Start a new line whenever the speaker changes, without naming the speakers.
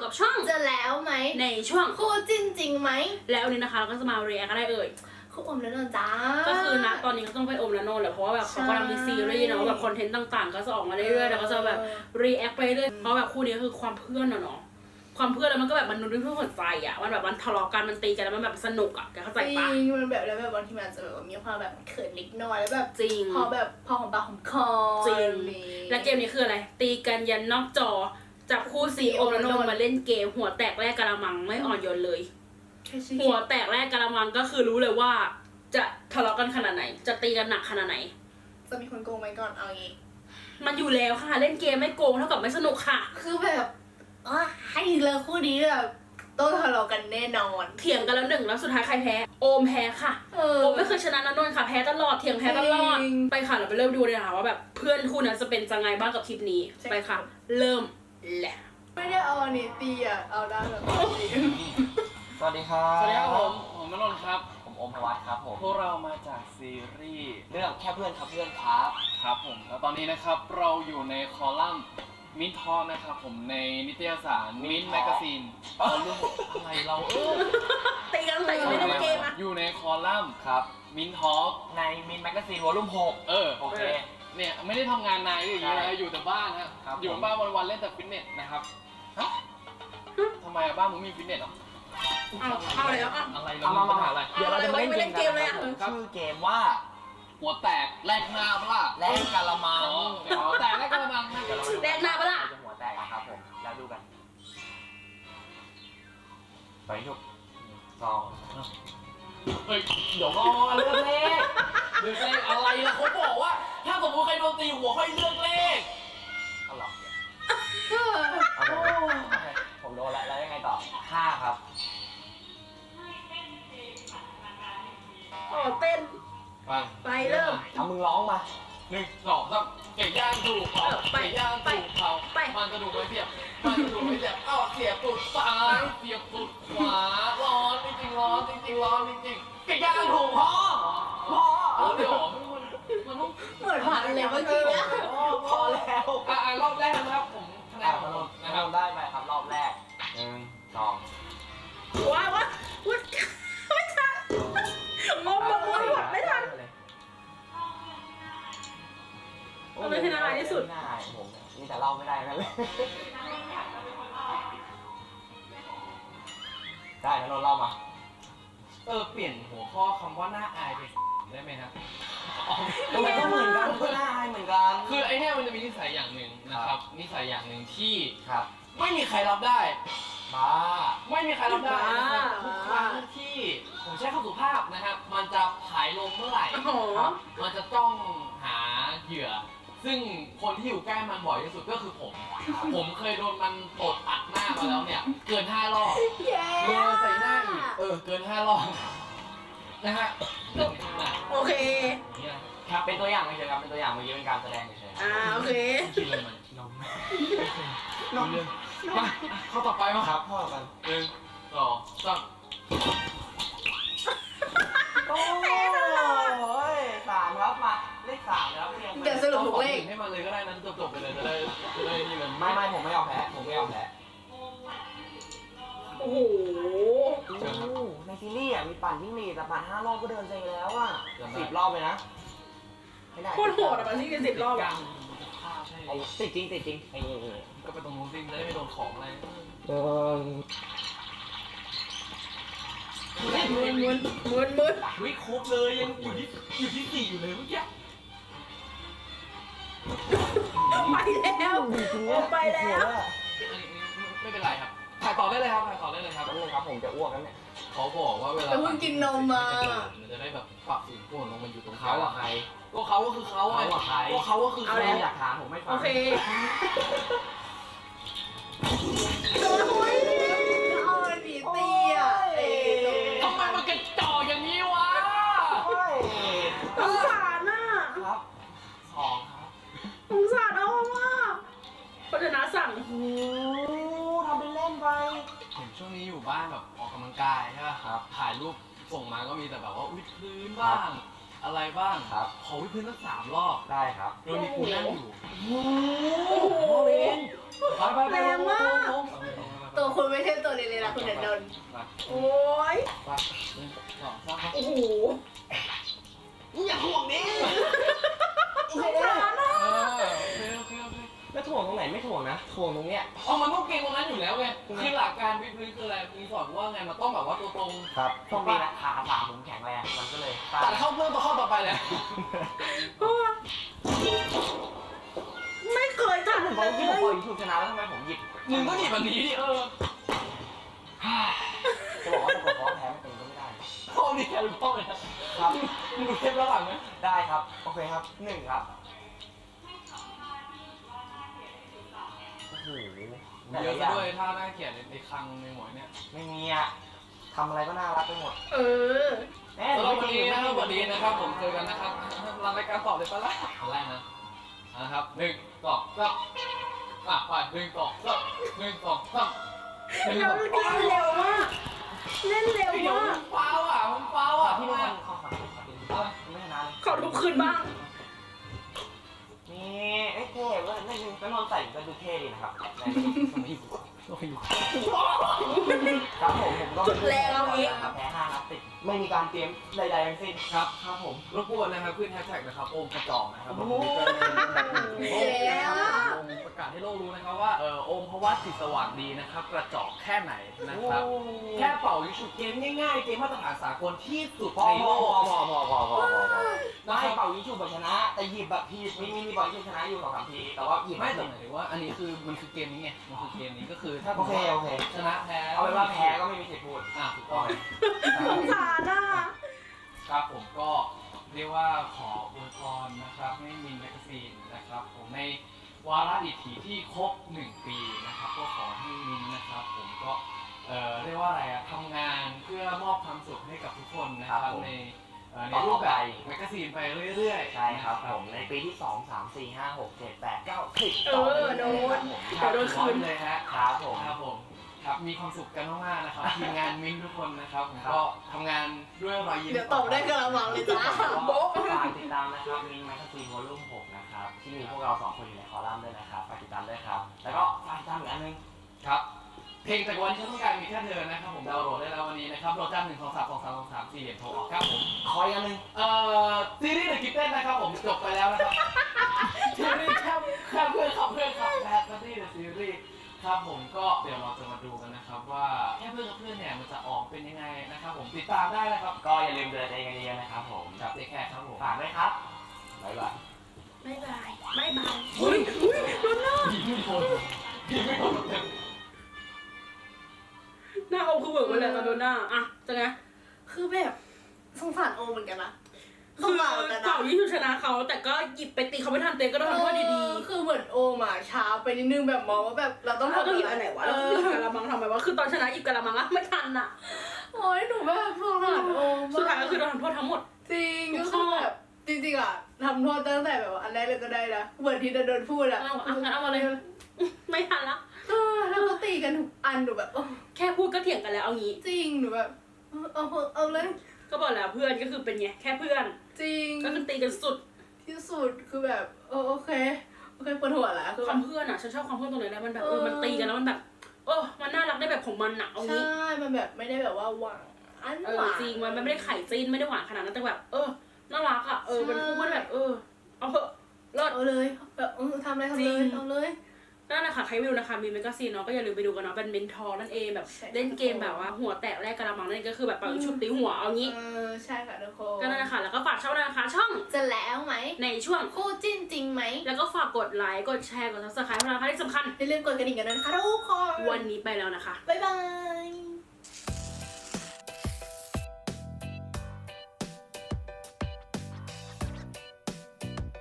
กับช่อง
จะแล้วไหม
ในช่วง
คู่จิ้นจริงไหม
แล้ววันนี้นะคะเราก็จะมาเรียกอะไรเอ่ย
คู่อมแล้วนนจ้า
ก็คือนะตอนนี้ก็ต้องไปอมแล้วนนแหละเพราะว่าแบบเขากำลังมีซีรีส์เนาะแบบคอนเทนต์ต่างๆก็จะออกมาเรื่อยๆแล้วก็จะแบบรีแอคไปเรื่อยเพราะแบบคู่นี้คือความเพื่อนเนาะความเพื่อนแล้วมันก็แบบมันนุ่นเพื่อหัวใจอ่ะมันแบบมันทะเลาะกันมันตีกันแล้วมันแบบสนุกอ่ะแกเข้าใจปะ
จริงมันแบบแล้วแบบบางทีมันจะแบบมีความแบบเขินเล็กน้อยแล้วแบบ
จริง
พอหอมปากหอมคอ
จริงและเกมนี้คืออะไรตีกันยันนอกจอจับคู่สีอมแล้วนนมาเล่นเกมหัวแตกแรกกะละมังไม่อ่อนโยนเลยหัวแตกแรกกะละมังก็คือรู้เลยว่าจะทะเลาะกันขนาดไหนจะตีกันหนักขนาดไหน
จะมีคนโกงไหมก่อนเอางี้
มันอยู่แล้วค่ะเล่นเกมไม่โกงเท่ากับไม่สนุกค่ะ
คือแบบให้เลยคู่นี้แบบต้องทะเลาะกันแน่นอน
เถียงกันแล้วหนึ่งแล้วสุดท้ายใครแพ้โอมแพ้ค่ะโอมไม่เคยชนะนะนนท์ค่ะแพ้ตลอดเถียงแพ้ตลอดไปค่ะเราไปเริ่มดูเลยค่ะว่าแบบเพื่อนคู่นั้นจะเป็นยังไงบ้างกับคลิปนี้ไปค่ะเริ่มแหละ
ไม่ได้เอาอันนี้ตีอ่ะเอาด้านแบบนี้
สวัสดีครับ
สวัสดีครับผมณนนท์ครับ
ผมโอมพวัตครับผม
พวกเรามาจากซีรีส์
เรื่องแค่เพื่อนครับเพื่อนครับ
ครับผมแล้วตอนนี้นะครับเราอยู่ในคอลัมน์มิ้นทอนะครับผมในนิตยสารมิ้นแมกกาซีนเอาเรื่องอะไรเรา
ตีกันแต่ยังไม่เล่นเกมอ่ะ
อยู่ในคอลัมน์
ครับ
มิ้นทอ
ในมินแมกกาซีนวอลลุ่ม6โอเค
เนี่ยไม่ได้ทำงานนายอย่างเงี้ยอยู่แต่บ้านครับอยู่บ้านวันๆเล่นแต่ฟิตเนสนะครับทำไมบ้านมึงมีฟิตเนสหรอ
เอาเลยแล้วอ่ะ
อะไรเรามีปัญหาอะไร
เดี๋ยวเราจะมาเล่นเกมกันนะครับชื่อเกมว่า
หัวแตกแลกหน้าปะล่ะ
แลกกะละมัง
หัวแตกแลกกะละมัง
แลกหน้าปะล่ะ
จะหัวแตกนะครับผมแล้วดูกันไปทุก2
เฮ้ยเดี๋ยวก่อนเลือกเลขเลือกเลขอะไรล่ะเขาบอกว่าถ้าสมมติใครโดนตีหัวค่อยเลือกเลข
เอาหรอผมโดนแล้วยังไงต่อ5ครับ
เต้นไปเริ่ม
เอามึงร้องมา
1 2 3เก่งย่างถูกเขาเก่งย่างถูกเขามันกระดูกไม่เสียบมันกระดูกไม่เสียบเสียบตุดซ้ายเสียบตุดขวาร้อนจริงๆร้อนจริงๆร้อนจริงๆเก่งย่างถูกพ่อเดี๋ยวมันต้อง
เหมือนผ่านเลยเมื่อกี้นะ
พอแล้ว
รอบแรกนะครับผมคะแนนของผม
นะครับได้ไปครับรอบแรก1 2
ว้าวไม่ทันงงแบบว่าหมดไม่ทันเราเป็นที่น่ารักที่สุด
ผมนี่แต่เล่าไม่ได้นั่นเลยได้แล้วเราเล่ามา
เปลี่ยนหัวข้อคำว่าหน้าอายไปได้ไหมครับ
มันก็เหมือนกันก็หน้าอายเหมือนกัน
คือไอ้เนี่ยมันจะมีนิสัยอย่างหนึ่งนะครับนิสัยอย่างหนึ่งที่
ครับ
ไม่มีใครรับได้
บ้า
ไม่มีใครรับได้ทุกครั้งที่ผมใช้คำสุภาพนะครับมันจะผายลงเมื่อไหร่มันจะต้องหาเหยื่อซึ่งคนที่อยู่ใกล้มันบ่อยที่สุดก็คือผมเคยโดนมันตดอัดหน้ามาแล้วเนี่ยเกิน5 รอบโดนใส่หน้าอีกเกิน5 รอบนะฮะ
โอเค
ครับเป็นตัวอย่างเฉยๆครับเป็นตัวอย่างเมื่อกี้เป็นการแสดงเฉย
ๆโอเค
กินอะไรมันนมมาข้อต่อไปมา
ครับข้อต่อไป
1 2 3
โอ้ย3ครับมาเลข3นะครับ
เดี๋ยวสรุปถูกเลข
ให้มันเลยก็ได้นั้นจบไปเลยจะได้นี่เลย
ไม่ผมไม่ยอมแพ้
โอ้โห
ในซีรีส์มีปั่นวิ่งหนีแต่ปั่น5 รอบก็เดินเซ็งแล้วอ่ะ10 รอบเลยนะ
ไม่ได้โคตรโหดอ่ะมันที่10 รอบอ่ะ
ติดจริง
ก็ไปตรงนู้นจริงจะได้ไม่โดนของอะไร
มึน
วิครบเลยยังอยู่ที่4อยู่เลยเมื่อกี้
ไปแล้วไปแล้ว
ไม่เป็นไรครับถ่ายต่อได้เลยครับ
ผมจะอ้วกแล้วเนี่ย
เขาบอกว่าเวลา
เพิ่งกินนมมา
มันจะได้แบบปรับสูงขึ้นลงมันอยู่ตรง
เขาอะใคร
ก็เขาก็คือเขาไงก็เขาก็คือ
เขาอยากถามผมไม่ฟัง
โอเค
เอาอันนี้ตีอ่ะ
ทำไมมันกระจอกอย่างนี้วะ
สงสารน่ะ
ครับ2ครับ
สงสารเอามากพัฒนาสั่ง
ทำเป็นเล่นไป
เห็นช่วงนี้อยู่บ้านแบบออกกำลังกายใช่ไหมครับถ่ายรูปส่งมาก็มีแต่แบบว่าวิดพื้นบ้างอะไรบ้าง
ครับ
ขอวิดพื้นสัก3 รอบ
ได้ครับ
โดยมีกูนั่งอยู่
โอ้โห
ไป
แรงมาก
ตัวคุณไม่ใช่ตัวเล็กๆนะคุณนันนนท์
ไป
โอ้ย
ไปหนึ่งสองสาม
โอ้โห
อย่าห่วงดิ
สงสารอ่ะ
โอเค
แล้วถ่วงตรงไหนไม่ถ่วงนะถ่วงตรงเนี้ย
เอามันต้องเก่งตรงนั้นอยู่แล้วไงคือหลักการวิทย์คืออะไรมีสอนว่าไงมันต้องแบบว่าตัวตรง
ครับต้องมีนะขาสามผมแข็งแรงมันก็เลย
ตัดเข้าเรื่องตัวเข้าต่อไปเลย
ไม่เคยทำ
ผม
เล
ที่ผม
ย
ปล่อยยูทูบชนะแล้วทำไมผมหยิบ
มึงก็หนีแบบนี้ดิ
จะบอกว่าถ้าเกิดฟ้องแพ้ไม่เป็นก็ไม่ได้
พ่อนี่แค่รู้พ่อเลยนะครับ มึงดูเทปแล้วหลังไหม
ได้ครับโอเคครับหนึ่งครับโอ้โห
เยอะซะด้วยถ้าน่าเกลียดในคังในหมวยเนี่ย
ไม่มีอะทำอะไรก็น่ารักไปหมด
เออ
แน่
แล้ววันนี้นะครับวันนี้นะครับผมเจอกันนะครับรายการตอบเลยปะล่ะอันแรกนะนะครับหนึ่งสองสามไปหนึ่งสองสามหนึ่งสองสามหนึ่งสอง
เล่นเร็วมากเล่นเร็ว
เดี๋ยว
มาก
มันฟาวอ่ะมันฟาวอ่ะ
ที่
ที่
ไม่
มัน
ทำข้อขาไม่ชนะเลย
ขอทุกคืนบ้าง
นี่เอ้ยเท่เว้ยไม่ลืมก็นอนใส่ก็ดูเท่ดีนะครับครับผมก็
จุดแรงเอาเอง
ครับแพ้5นัดติดไม่มีการเตรียมใดๆทั้งสิ้น
ครับครับผมรบกวนนะครับขึ้นแฮชแท็กนะครับโอมกระจอกนะครับ
โอ้โห
โอมประกาศให้โลกรู้นะครับว่าโอมเพราะว่าจิตสว่างดีนะครับกระจอกแค่ไหนนะครับแค่เป่ายิงฉุบเกมง่ายๆเกมมาตรฐานสากลที่สุด
พอ
ใน
พ
โล
อก ได้
นะครับ
เป่ายิงฉุบแบบชนะ แต่หยิบแบบผิดมีเป่ายิงชนะอยู่2-3ทีแต่ว่าหยิบ
ไม่แต่หมายถึงว่าอันนี้คือมันคือเกมนี้ไงมันคือเกมนี้ก็คือถ้า
โอเคโอเค
ชนะแพ้
เอาเป็นว่าแพ้ก็ไม่มีสิทธิ์พูด
ถูกต้อง
สงสารอ่ะ
ครับผมก็เรียกว่าขออวยพรนะครับให้มินแมกกาซีนนะครับผมในวาระดิถีที่ครบ1 ปีนะครับก็ขอให้มินนะครับผมก็เรียกว่าอะไรอะทำงานเพื่อมอบความสุขให้กับทุกคนนะครับในรูปแบบแมกกาซีนไปเรื่อยๆ
ใช่ครับผมในปีที่2 3 4 5 6 7 8 9 10
โดน
โดนคืนเลยฮะ
ครับผม
ครับผมครับมีความสุขกันมากๆนะครับทีมงานมิ้นท์ทุกคนนะครับผมก็ทำงานด้วยรอยยิ้ม
เดี๋ยวตอบได้กระมังเลยจ้าโบ๊ะ
ฝากติดตามนะครับมินแมกกาซีนวอลลุ่ม6นะครับที่มีพวกเรา2คนอยู่ในคอลัมน์ด้วยนะครับฝากติดตามด้วยครับแล้วก็ฝากติดตามอีกอันนึง
ครับเพลงจากวันที่ฉันต้องการมีแค่เธอนะครับผมดาวน์โหลดได้แล้ววันนี้นะครับโหลดจ้า1 2 3 2 3 2 3 4เหรียญโทรออกครับผม
ขออีกอันนึง
ซีรีส์ The Kitten นะครับผมจบไปแล้วนะครับซีรีส์แค่เพื่อนครับแบทแบทตี้ The Series ครับผมก็เดี๋ยวเราจะมาดูกันนะครับว่าแค่เพื่อนกับเพื่อนเนี่ยมันจะออกเป็นยังไงนะครับผมติดตามได้นะครับ
ก็อย่าลืมดูแลตัวเองกันเยอะๆนะครับผม
กับเจ๊แขกครับผม
ฝากด้วยครับบ๊ายบาย
บ๊ายบายบ๊ายบาย
เฮ้ยโดนหน้ายิงไม่โดนยิงไม่โดนเต็ม
หน้าเอาคือเบิกไปเลยตอนโดนหน้าอ่ะจะไง
คือแบบสงสารโอเหมือนกันนะส
คื
ง
อ
สารเหมือนกันนะ
เป่ายิ่งชนะเขาแต่ก็หยิบไปตีเขาไม่ทันเตะก็ต้องทำโทษดีๆ
คือเหมือนโอมอ่ะช้าไปนิดนึงแบบมองว่าแบบเราต้อง
เรา
ทำ
ต้องหยิบอันไหนวะเราต้องหยิบกะละมังทำไมวะคือตอนชนะหยิบกะละมังอะไม่ทันอะ
โอ้ยหนูแบบสงสารโอม
สุดท้ายก็คือโดนทำโทษทั้งหมด
จริงก็คือแบบจริงๆอ่ะทำโทษตั้งแต่แบบว่าอันแรกเลยก็ได้นะเหมือนที่โดนพูดอ่ะ
เอางั้นเอามาเลย ไม่ทันละ
แล้วก็ตีกันทุกอันหนูแบบ
แค่พูดก็เถียงกันแล้วเอางี้
จริงหนูแบบเอาเลย
ก็บอกแล้วเพื่อนก็คือเป็นไงแค่เพื่อน
จริง
ก็คือตีกันสุด
ที่สุดคือแบบโอเคปวดหัวแล้วคือ
ความเพื่อนอะฉันชอบความเพื่อนตรงไหนแล้วมันแบบมันตีกันแล้วมันแบบมันน่ารักได้แบบของมันอะเอา
ใช่
งี้
มันแบบไม่ได้แบบว่าหวังอันหวาน
จริงมันไม่ได้ไข่จีนไม่ได้หวานขนาดนั้นแต่แบบน่ารักอะเป็นคู่มันแบบเอาเถอะเลิศ
เอาเลยแบบทำอะไรทำเลยเอาเลย
นั่นแหละค่ะใครไม่รู้นะคะมีแมกกาซีนเนาะก็อย่าลืมไปดูกันเนาะเป็นเมนทอร์นั่นเองแบบ
ใช่
เล่นเกมแบบว่าหัวแตกแรกกระมังนั่นเองก็คือแบบปังชุบตีหัวเอางี้
ใช่ค่ะทุกคน
ก็นั่นแหละค่ะแล้วก็ฝากช่องด้วยนะคะช่อง
จะแล้วไหม
ในช่วง
คู่จิ้นจริงไหม
แล้วก็ฝากกดไลค์กดแชร์กด subscribe ให้เรานะคะที่สำคัญ
อย่าลืมกดกระดิ่งกันด้วยนะคะทุกคน
วันนี้ไปแล้วนะคะ
บ๊ายบาย